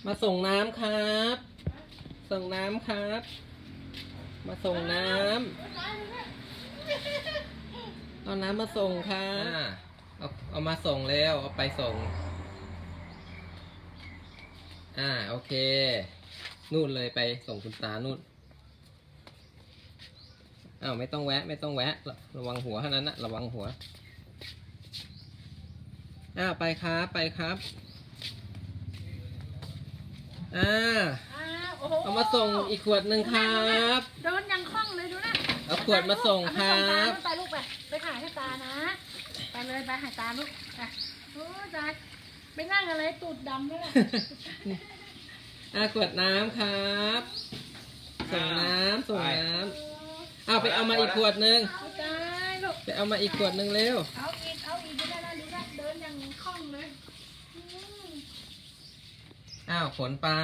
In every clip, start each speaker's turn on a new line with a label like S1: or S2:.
S1: มาส่งน้ำครับ ส่งน้ำครับ มาส่งน้ำเอาน้ำมาส่งค่ะเอามาส่งแล้วเอาไปส่งโอเคนู่นเลยไปส่งคุณตานู่นไม่ต้องแวะไม่ต้องแวะระวังหัวเท่านั้นนะระวังหัวไปครับไปครับเอามาส่งอีกขวดหนึ่งครับ
S2: เดินยังคล่องเลยดูนะ
S1: เอาขวดมาส่งครับ
S2: ไปลูกไปหาให้ตานะไปเลยไปหาตาลูกไปโอ้ตาไปนั่งอะไรตูดดำด้วยล่ะ
S1: ขวดน้ำครับส่งน้ำส่งน้ำไปเอามาอีกขวดหนึ่งไปเอามาอีกขวดหนึ่งเร็ว
S2: เอาอีกดูได้ดูได้เดินยังคล่องเลย
S1: ขนไป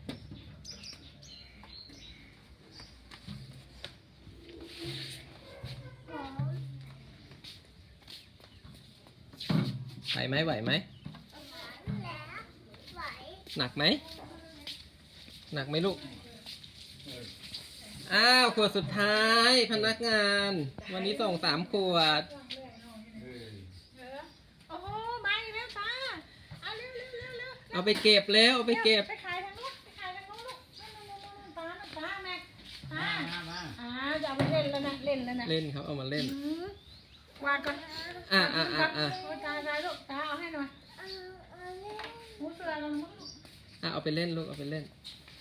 S1: ไหวไหมหนักไหมหนักไหมลูกขวดสุดท้ายพนักงานวันนี้ส่ง3 ขวด
S2: โอ้โหมาอีกแล้วตาเอาเร็ว
S1: เอาไปเก็บแล้วเอาไปเก็บ
S2: ไปขายทางนู้นไปขายทางนู้นลูกตาแม่จะเอาไปเล่นแล้วนะเล่นแล้วนะ
S1: เล่นครับเอามาเล่น
S2: วางก่อนตาลูกตาเอาให้หน่อยหูเสือลงลูก
S1: เอาไปเล่นลูกเอาไปเล่น